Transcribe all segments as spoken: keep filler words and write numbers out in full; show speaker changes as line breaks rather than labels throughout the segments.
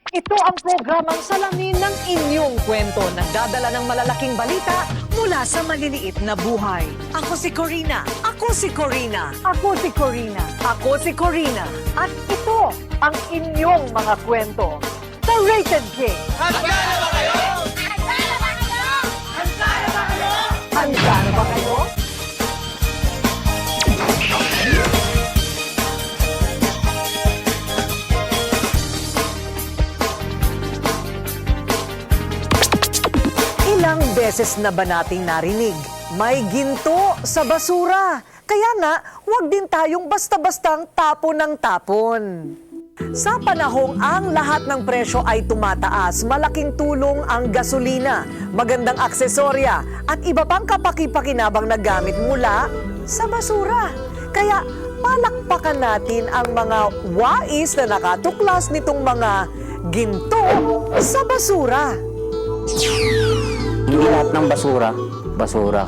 Ito ang programang salamin ng inyong kwento. Nagdadala ng malalaking balita mula sa maliliit na buhay. Ako si Corina. Ako si Corina. Ako si Corina. Ako si Corina. At ito ang inyong mga kwento sa Rated King.
Handa na ba kayo?
Handa na ba kayo? Ilang beses na ba nating narinig, may ginto sa basura. Kaya nga, huwag din tayong basta-bastang tapon ng tapon. Sa panahong ang lahat ng presyo ay tumataas, malaking tulong ang gasolina, magandang aksesorya at iba pang kapaki-pakinabang na gamit mula sa basura. Kaya palakpakan natin ang mga wais na nakatuklas nitong mga ginto sa basura.
Hindi lahat ng basura, basura.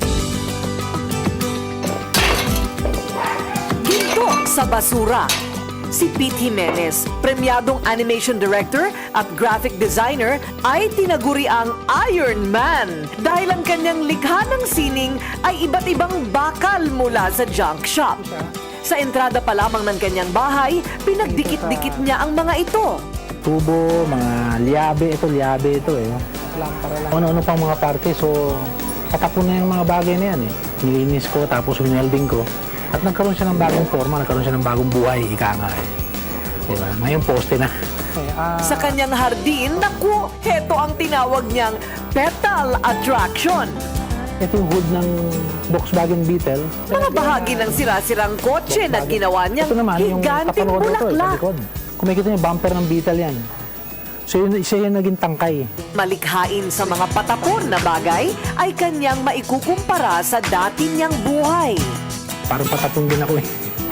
Ginto sa basura. Si Pete Jimenez, premyadong animation director at graphic designer, ay tinaguri ang Iron Man dahil ang kanyang likha ng sining ay iba't ibang bakal mula sa junk shop. Sa entrada pa lamang ng kanyang bahay, pinagdikit-dikit niya ang mga ito.
Tubo, mga liabe, ito liabe ito eh. Ano-ano pang mga parte, so patapon na yung mga bagay na yan eh. Nilinis ko, tapos winelding ko. At nagkaroon siya ng bagong forma, nagkaroon siya ng bagong buhay, ika nga eh. Diba? Ngayon poste na.
Sa kanyang hardin, naku, heto ang tinawag niyang petal attraction.
Ito yung hood ng Volkswagen Beetle.
Mga bahagi ng sira-sirang kotse na ginawa niyang
Ito naman, yung
higanting
kapanood na ito, eh, sa
bulaklak.
likod. Kung makikita niyo yung bumper ng Beetle yan. So yun, siya yung naging tangkay.
Malikhain sa mga patapon na bagay ay kanyang maikukumpara sa dati niyang buhay.
Parang patapon din ako eh.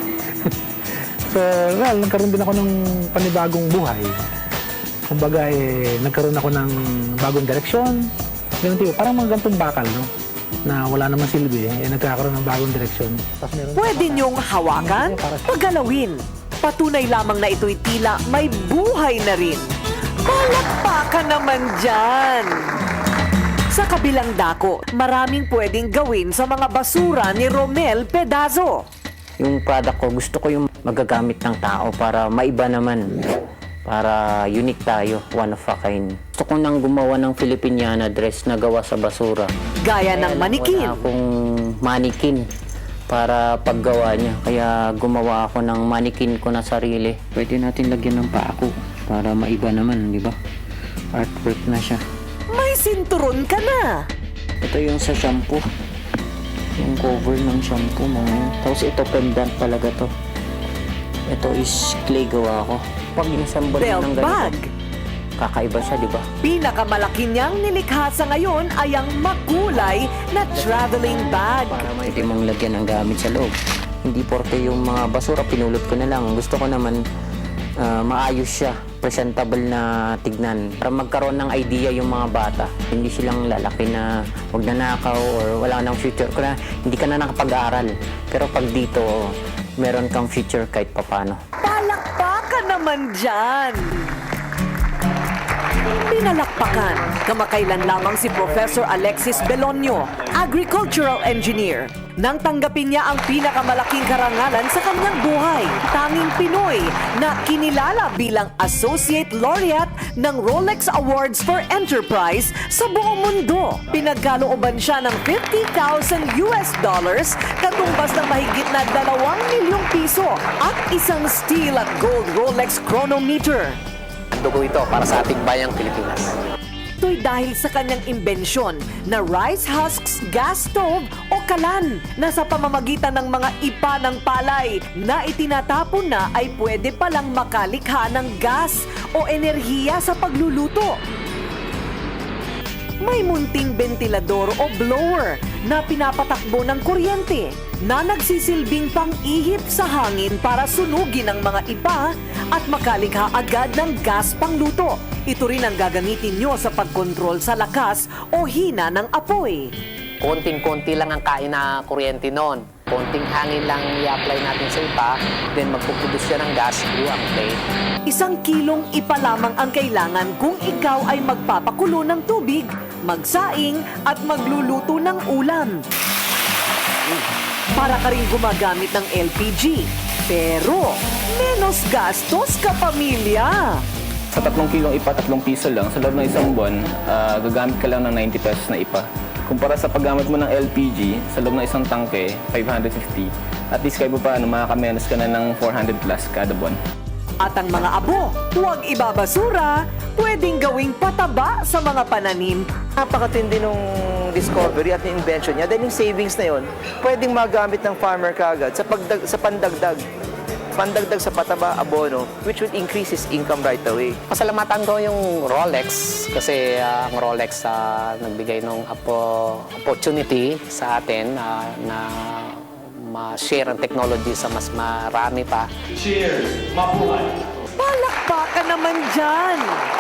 So, well, nagkaroon din ako ng panibagong buhay. Kumbaga, eh, nagkaroon ako ng bagong direksyon. Ganun tipo, parang mga gantong bakal, no? Na wala naman silbi, eh, nagkakaroon ng bagong direksyon. Tapos meron
Pwede niyong hawakan, pagalawin. Patunay lamang na ito'y tila may buhay na rin. Palakpakan naman dyan! Sa kabilang dako, maraming pwedeng gawin sa mga basura ni Romel Pedazo.
Yung product ko, gusto ko yung magagamit ng tao para maiba naman. Para unique tayo, one of a kind. Gusto ko nang gumawa ng Filipiniana dress na gawa sa basura.
Gaya ng manikin.
Wala akong manikin para paggawa niya. Kaya gumawa ako ng manikin ko na sarili. Pwede natin lagyan ng pako para maiba naman, di ba? Artwork na siya.
May sinturon ka na!
Ito yung sa shampoo. Yung cover ng shampoo, mga yun. Tapos ito, pendant talaga to. Ito is clay gawa ko. Pag inassemble
Belt
ng
bag.
ganito, kakaiba siya, di ba?
Pinakamalaki niyang nilikha sa ngayon ay ang makulay na traveling bag.
Para pwede mong lagyan ng gamit sa loob. Hindi porke yung mga basura, pinulot ko na lang. Gusto ko naman ah, maayos siya. Presentable na tignan. Para magkaroon ng idea yung mga bata. Hindi silang lalaki na huwag nanakaw or wala nang future. Kaya hindi ka na nakapag-aaral. Pero pag dito, meron kang future kahit papano.
Palakpakan naman dyan! Pinalakpakan, kamakailan lamang si Professor Alexis Belonio, agricultural engineer. Nang tanggapin niya ang pinakamalaking karangalan sa kanyang buhay, tanging Pinoy na kinilala bilang Associate Laureate ng Rolex Awards for Enterprise sa buong mundo. Pinagkalooban siya ng fifty thousand U S dollars, katumbas ng mahigit na dalawang milyong piso at isang steel at gold Rolex chronometer.
Ang dugo ito para sa ating bayang Pilipinas.
Ito'y dahil sa kanyang imbensyon na rice husks gas stove o kalan na sa pamamagitan ng mga ipa ng palay na itinatapon na ay pwede palang makalikha ng gas o enerhiya sa pagluluto. May munting bentilador o blower na pinapatakbo ng kuryente na nagsisilbing pang-ihip sa hangin para sunugin ang mga ipa at makalikha agad ng gas pangluto. Ito rin ang gagamitin nyo sa pagkontrol sa lakas o hina ng apoy.
Konting-konti lang ang kain na kuryente noon. Konting hangin lang i-apply natin sa ipa, then magpuproduce siya ng gas through ang plate.
Isang kilong ipa lamang ang kailangan kung ikaw ay magpapakulo ng tubig, magsaing at magluluto ng ulam. Para ka rin gumagamit ng L P G, pero menos gastos ka pamilya.
Sa tatlong kilong ipa, tatlong piso lang, sa loob ng isang buwan, ah, gagamit ka lang ng ninety pesos na ipa. Kumpara sa paggamit mo ng L P G, sa loob ng isang tangke, five hundred fifty. At least kahit pa paano, makakamenos ka na ng four hundred plus kada buwan.
At ang mga abo, huwag ibabasura, pwedeng gawing pataba sa mga pananim.
Napakatindi nung discovery at yung invention niya. Dahil yung savings na yun, pwedeng magamit ng farmer kagad sa, pagdag, sa pandagdag. Pandagdag sa pataba, abono, which would increase his income right away.
Pasalamatan ko yung Rolex kasi ah, ang Rolex ah, nagbigay ng apo, opportunity sa atin ah, na ma-share ang technology sa mas marami pa.
Palakpakan naman dyan!